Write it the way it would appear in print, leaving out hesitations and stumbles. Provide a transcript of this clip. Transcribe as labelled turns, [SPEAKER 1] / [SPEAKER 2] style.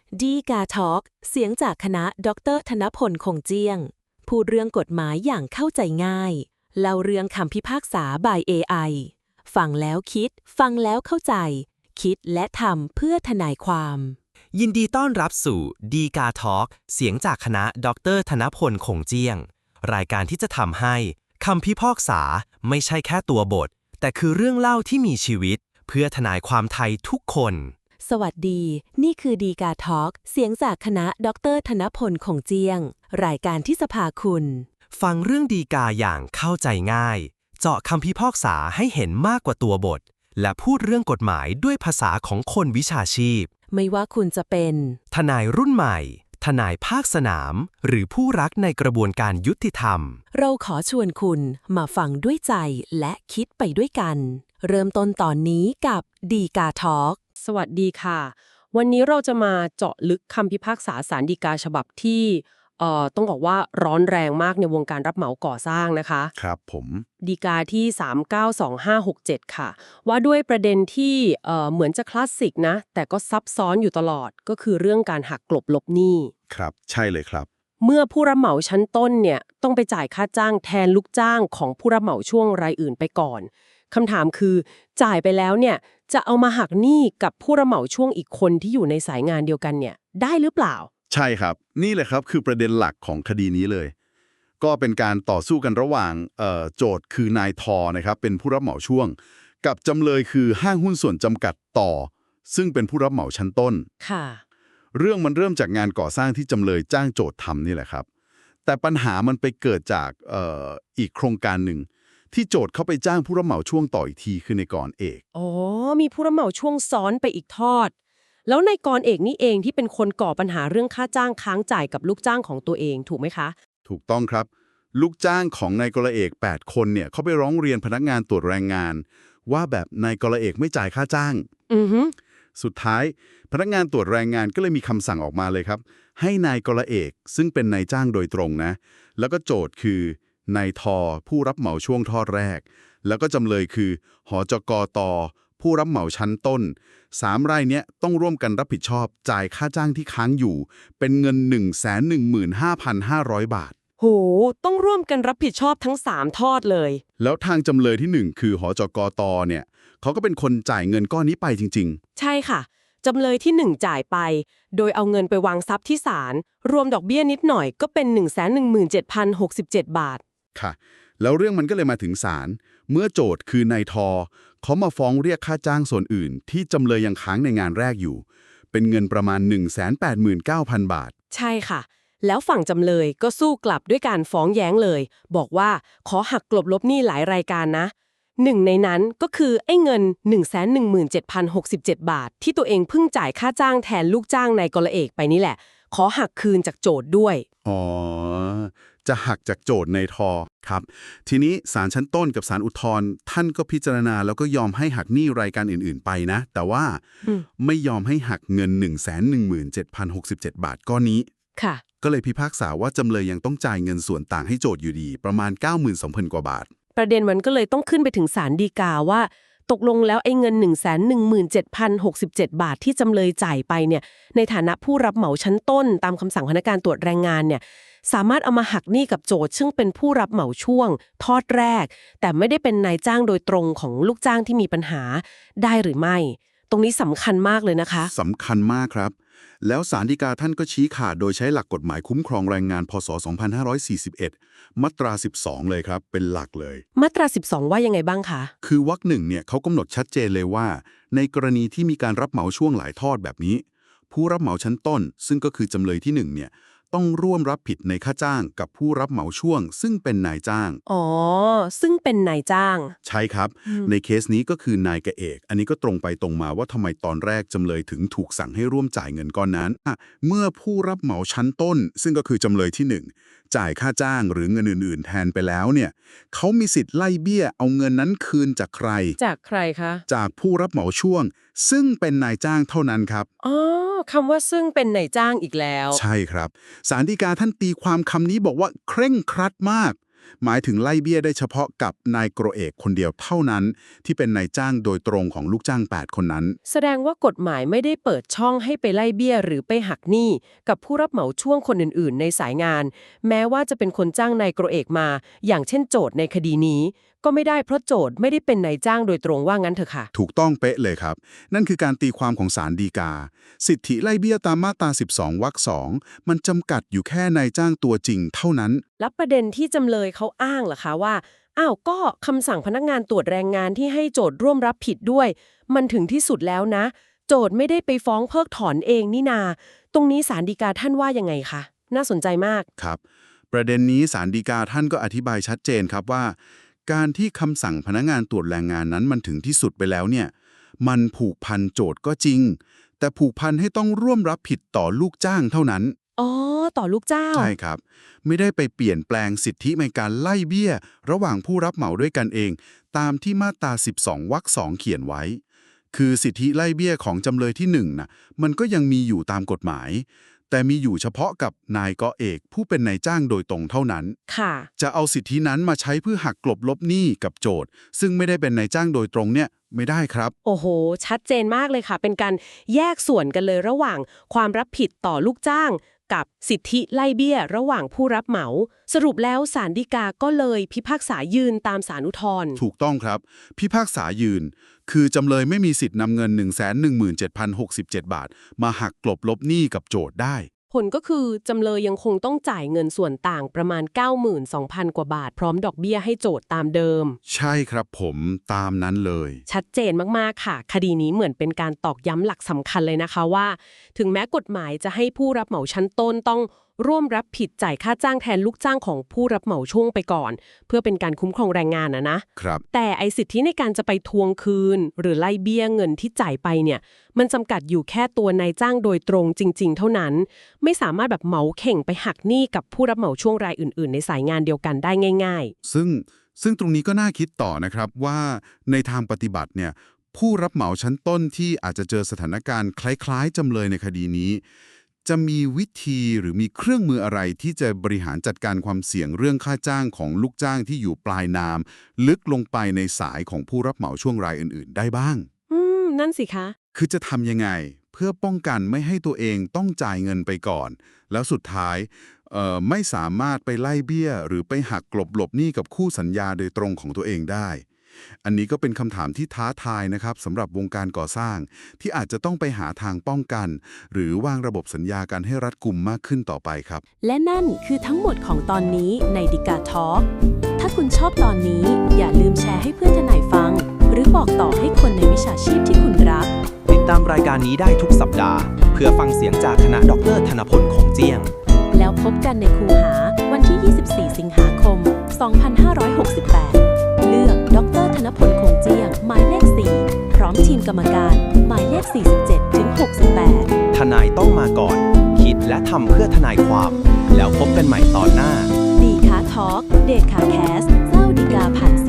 [SPEAKER 1] ดีกาทอล์กเสียงจากคณะดรธนพลคงเจียงพูดเรื่องกฎหมายอย่างเข้าใจง่ายเล่าเรื่องคำพิพากษา by AI ฟังแล้วคิดฟังแล้วเข้าใจคิดและทำเพื่อทนายความ
[SPEAKER 2] ยินดีต้อนรับสู่ดีกาทอล์กเสียงจากคณะดรธนพลคงเจียงรายการที่จะทำให้คำพิพากษาไม่ใช่แค่ตัวบทแต่คือเรื่องเล่าที่มีชีวิตเพื่อทนายความไทยทุกคน
[SPEAKER 1] สวัสดีนี่คือดีกาทอล์กเสียงจากคณะดรธนพลคงเจียงรายการที่จะพาคุณ
[SPEAKER 2] ฟังเรื่องดีกาอย่างเข้าใจง่ายเจาะคำพิพากษาให้เห็นมากกว่าตัวบทและพูดเรื่องกฎหมายด้วยภาษาของคนวิชาชีพ
[SPEAKER 1] ไม่ว่าคุณจะเป็น
[SPEAKER 2] ทนายรุ่นใหม่ทนายภาคสนามหรือผู้รักในกระบวนการยุติธรรม
[SPEAKER 1] เราขอชวนคุณมาฟังด้วยใจและคิดไปด้วยกันเริ่มต้นตอนนี้กับดีกาทอล์ก
[SPEAKER 3] สวัสดีค่ะ วันนี้เราจะมาเจาะลึกคำพิพากษาศาลฎีกาฉบับที่ต้องบอกว่าร้อนแรงมากในวงการรับเหมาก่อสร้างนะคะ
[SPEAKER 4] ครับผม
[SPEAKER 3] ฎีกาที่392567ค่ะว่าด้วยประเด็นที่เหมือนจะคลาสสิกนะแต่ก็ซับซ้อนอยู่ตลอดก็คือเรื่องการหักกลบลบหนี้
[SPEAKER 4] ครับใช่เลยครับ
[SPEAKER 3] เมื่อผู้รับเหมาชั้นต้นเนี่ยต้องไปจ่ายค่าจ้างแทนลูกจ้างของผู้รับเหมาช่วงรายอื่นไปก่อนคำถามคือจ่ายไปแล้วเนี่ยจะเอามาหักหนี้กับผู้รับเหมาช่วงอีกคนที่อยู่ในสายงานเดียวกันเนี่ยได้หรือเปล่า
[SPEAKER 4] ใช่ครับนี่แหละครับคือประเด็นหลักของคดีนี้เลยก็เป็นการต่อสู้กันระหว่างโจทย์คือนายทอนะครับเป็นผู้รับเหมาช่วงกับจำเลยคือห้างหุ้นส่วนจำกัดต่อซึ่งเป็นผู้รับเหมาชั้นต้น
[SPEAKER 3] ค่ะ
[SPEAKER 4] เรื่องมันเริ่มจากงานก่อสร้างที่จำเลยจ้างโจทย์ทำนี่แหละครับแต่ปัญหามันไปเกิดจากอีกโครงการหนึ่งที่โจทย์เขาไปจ้างผู้รับเหมาช่วงต่ออีกทีคือในกรเอก
[SPEAKER 3] อ๋อมีผู้รับเหมาช่วงซ้อนไปอีกทอดแล้วในกรเอกนี่เองที่เป็นคนก่อปัญหาเรื่องค่าจ้างค้างจ่ายกับลูกจ้างของตัวเองถูกไหมคะ
[SPEAKER 4] ถูกต้องครับลูกจ้างของนายกรเอก8คนเนี่ยเขาไปร้องเรียนพนักงานตรวจแรงงานว่าแบบนายกรเอกไม่จ่ายค่าจ้างสุดท้ายพนักงานตรวจแรงงานก็เลยมีคำสั่งออกมาเลยครับให้นายกรเอกซึ่งเป็นนายจ้างโดยตรงนะแล้วก็โจทย์คือนายทอผู้รับเหมาช่วงทอดแรกแล้วก็จำเลยคือหจกตผู้รับเหมาชั้นต้น3 รายเนี้ยต้องร่วมกันรับผิดชอบจ่ายค่าจ้างที่ค้างอยู่เป็นเงิน 115,500 บาท
[SPEAKER 3] โหต้องร่วมกันรับผิดชอบทั้ง3ทอดเลย
[SPEAKER 4] แล้วทางจำเลยที่1คือหจกตเนี่ยเขาก็เป็นคนจ่ายเงินก้อนนี้ไปจริง
[SPEAKER 3] ๆใช่ค่ะจำเลยที่1จ่ายไปโดยเอาเงินไปวางทรัพย์ที่ศาลรวมดอกเบี้ยนิดหน่อยก็เป็น 117,067 บาท
[SPEAKER 4] ค่ะแล้วเรื่องมันก็เลยมาถึงศาลเมื่อโจทย์คือนายทอเขามาฟ้องเรียกค่าจ้างส่วนอื่นที่จำเลยยังค้างในงานแรกอยู่เป็นเงินประมาณ 189,000 บาท
[SPEAKER 3] ใช่ค่ะแล้วฝั่งจำเลยก็สู้กลับด้วยการฟ้องแย้งเลยบอกว่าขอหักกลบลบหนี้หลายรายการนะหนึ่งในนั้นก็คือไอ้เงิน 117,067 บาทที่ตัวเองเพิ่งจ่ายค่าจ้างแทนลูกจ้างนายกรเอกไปนี่แหละขอหักคืนจากโจทย์ด้วย
[SPEAKER 4] อ๋อจะหักจากโจทย์ในทอครับทีนี้ศาลชั้นต้นกับศาลอุทธรณ์ท่านก็พิจารณาแล้วก็ยอมให้หักหนี้รายการอื่นๆไปนะแต่ว่าไม่ยอมให้หักเงิน 117,067 บาทก้อนนี้
[SPEAKER 3] ค่ะ
[SPEAKER 4] ก็เลยพิพากษาว่าจำเลยยังต้องจ่ายเงินส่วนต่างให้โจทย์อยู่ดีประมาณ 92,000 กว่าบาท
[SPEAKER 3] ประเด็นมันก็เลยต้องขึ้นไปถึงศาลฎีกาว่าตกลงแล้วไอ้เงิน 117,067 บาทที่จำเลยจ่ายไปเนี่ยในฐานะผู้รับเหมาชั้นต้นตามคำสั่งพนักงานตรวจแรงงานเนี่ยสามารถเอามาหักหนี้กับโจทย์ซึ่งเป็นผู้รับเหมาช่วงทอดแรกแต่ไม่ได้เป็นนายจ้างโดยตรงของลูกจ้างที่มีปัญหาได้หรือไม่ตรงนี้สำคัญมากเลยนะคะ
[SPEAKER 4] สำคัญมากครับแล้วศาลฎีกาท่านก็ชี้ขาดโดยใช้หลักกฎหมายคุ้มครองแรงงานพศ 2541 มาตรา 12 เลยครับเป็นหลักเลย
[SPEAKER 3] มาตรา 12 ว่ายังไงบ้างคะ
[SPEAKER 4] คือวรรคหนึ่งเนี่ยเขากำหนดชัดเจนเลยว่าในกรณีที่มีการรับเหมาช่วงหลายทอดแบบนี้ผู้รับเหมาชั้นต้นซึ่งก็คือจำเลยที่1เนี่ยต้องร่วมรับผิดในค่าจ้างกับผู้รับเหมาช่วงซึ่งเป็นนายจ้าง
[SPEAKER 3] อ๋อซึ่งเป็นนายจ้าง
[SPEAKER 4] ใช่ครับในเคสนี้ก็คือนายกเอกอันนี้ก็ตรงไปตรงมาว่าทำไมตอนแรกจำเลยถึงถูกสั่งให้ร่วมจ่ายเงินก้อนนั้นเมื่อผู้รับเหมาชั้นต้นซึ่งก็คือจำเลยที่1จ่ายค่าจ้างหรือเงินอื่นๆแทนไปแล้วเนี่ยเขามีสิทธิ์ไล่เบี้ยเอาเงินนั้นคืนจากใคร
[SPEAKER 3] จากใครคะ
[SPEAKER 4] จากผู้รับเหมาช่วงซึ่งเป็นนายจ้างเท่านั้นครับ
[SPEAKER 3] อ๋อคำว่าซึ่งเป็นนายจ้างอีกแล้ว
[SPEAKER 4] ใช่ครับศาลฎีกาท่านตีความคำนี้บอกว่าเคร่งครัดมากหมายถึงไล่เบี้ยได้เฉพาะกับนายกรเอกคนเดียวเท่านั้นที่เป็นนายจ้างโดยตรงของลูกจ้าง8คนนั้น
[SPEAKER 3] แสดงว่ากฎหมายไม่ได้เปิดช่องให้ไปไล่เบี้ยหรือไปหักหนี้กับผู้รับเหมาช่วงคนอื่นๆในสายงานแม้ว่าจะเป็นคนจ้างนายกรเอกมาอย่างเช่นโจทย์ในคดีนี้ก็ไม่ได้เพราะโจทย์ไม่ได้เป็นนายจ้างโดยตรงว่างั้นเถอะค่ะ
[SPEAKER 4] ถูกต้องเป๊ะเลยครับนั่นคือการตีความของศาลฎีกาสิทธิไล่เบี้ยตามมาตรา12 วรรค 2มันจำกัดอยู่แค่นายจ้างตัวจริงเท่านั้น
[SPEAKER 3] แล้วประเด็นที่จำเลยเขาอ้างล่ะคะว่าก็คำสั่งพนักงานตรวจแรงงานที่ให้โจทย์ร่วมรับผิดด้วยมันถึงที่สุดแล้วนะโจทย์ไม่ได้ไปฟ้องเพิกถอนเองนี่นาตรงนี้ศาลฎีกาท่านว่ายังไงคะน่าสนใจมาก
[SPEAKER 4] ครับประเด็นนี้ศาลฎีกาท่านก็อธิบายชัดเจนครับว่าการที่คำสั่งพนักงานตรวจแรงงานนั้นมันถึงที่สุดไปแล้วเนี่ยมันผูกพันโจทย์ก็จริงแต่ผูกพันให้ต้องร่วมรับผิดต่อลูกจ้างเท่านั้น
[SPEAKER 3] ต่อลูกจ้าง
[SPEAKER 4] ใช่ครับไม่ได้ไปเปลี่ยนแปลงสิทธิในการไล่เบี้ยระหว่างผู้รับเหมาด้วยกันเองตามที่มาตรา12 วรรค 2เขียนไว้คือสิทธิไล่เบี้ยของจำเลยที่1นะมันก็ยังมีอยู่ตามกฎหมายแต่มีอยู่เฉพาะกับนายกเอกผู้เป็นนายจ้างโดยตรงเท่านั้น
[SPEAKER 3] ค่ะ
[SPEAKER 4] จะเอาสิทธินั้นมาใช้เพื่อหักกลบลบหนี้กับโจทย์ซึ่งไม่ได้เป็นนายจ้างโดยตรงเนี่ยไม่ได้ครับ
[SPEAKER 3] โอ้โหชัดเจนมากเลยค่ะเป็นการแยกส่วนกันเลยระหว่างความรับผิดต่อลูกจ้างกับสิทธิไล่เบี้ยระหว่างผู้รับเหมาสรุปแล้วศาลฎีกาก็เลยพิพากษายืนตามศาลอุทธรณ์
[SPEAKER 4] ถูกต้องครับพิพากษายืนคือจำเลยไม่มีสิทธิ์นำเงิน 117,067 บาทมาหักกลบลบหนี้กับโจทย์ได้
[SPEAKER 3] ผลก็คือจำเลยยังคงต้องจ่ายเงินส่วนต่างประมาณ 92,000 กว่าบาทพร้อมดอกเบี้ยให้โจทย์ตามเดิม
[SPEAKER 4] ใช่ครับผมตามนั้นเลย
[SPEAKER 3] ชัดเจนมากๆค่ะคดีนี้เหมือนเป็นการตอกย้ำหลักสำคัญเลยนะคะว่าถึงแม้กฎหมายจะให้ผู้รับเหมาชั้นต้นต้องร่วมรับผิดจ่ายค่าจ้างแทนลูกจ้างของผู้รับเหมาช่วงไปก่อนเพื่อเป็นการคุ้มครองแรงงาน
[SPEAKER 4] นะครับ
[SPEAKER 3] แต่ไอสิทธิในการจะไปทวงคืนหรือไล่เบี้ยเงินที่จ่ายไปเนี่ยมันจำกัดอยู่แค่ตัวนายจ้างโดยตรงจริงๆเท่านั้นไม่สามารถแบบเหมาเข่งไปหักหนี้กับผู้รับเหมาช่วงรายอื่นๆในสายงานเดียวกันได้ง่าย
[SPEAKER 4] ๆซึ่งตรงนี้ก็น่าคิดต่อนะครับว่าในทางปฏิบัติเนี่ยผู้รับเหมาชั้นต้นที่อาจจะเจอสถานการณ์คล้ายๆจำเลยในคดีนี้จะมีวิธีหรือมีเครื่องมืออะไรที่จะบริหารจัดการความเสี่ยงเรื่องค่าจ้างของลูกจ้างที่อยู่ปลายน้ำลึกลงไปในสายของผู้รับเหมาช่วงรายอื่นๆได้บ้าง
[SPEAKER 3] นั่นสิคะ
[SPEAKER 4] คือจะทำยังไงเพื่อป้องกันไม่ให้ตัวเองต้องจ่ายเงินไปก่อนแล้วสุดท้ายไม่สามารถไปไล่เบี้ยหรือไปหักกลบหลบหนี้กับคู่สัญญาโดยตรงของตัวเองได้อันนี้ก็เป็นคำถามที่ท้าทายนะครับสำหรับวงการก่อสร้างที่อาจจะต้องไปหาทางป้องกันหรือวางระบบสัญญากันให้รัดกุมมากขึ้นต่อไปครับ
[SPEAKER 1] และนั่นคือทั้งหมดของตอนนี้ในดิกาทอล์กถ้าคุณชอบตอนนี้อย่าลืมแชร์ให้เพื่อนทนายฟังหรือบอกต่อให้คนในวิชาชีพที่คุณรัก
[SPEAKER 2] ติดตามรายการนี้ได้ทุกสัปดาห์เพื่อฟังเสียงจากคณะดร.ธนพลคงเจียง
[SPEAKER 1] แล้วพบกันในคูหาวันที่ 24 สิงหาคม 2568 เลือกดร.ธนพลคงเจียงหมายเลข 4 พร้อมทีมกรรมการหมายเลข 47 ถึง 68
[SPEAKER 2] ทนายต้องมาก่อนคิดและทำเพื่อทนายความแล้วพบกันใหม่ตอนหน้า
[SPEAKER 1] ดีคาทอล์กเดทคาแคสเจ้าดีกาผ่าน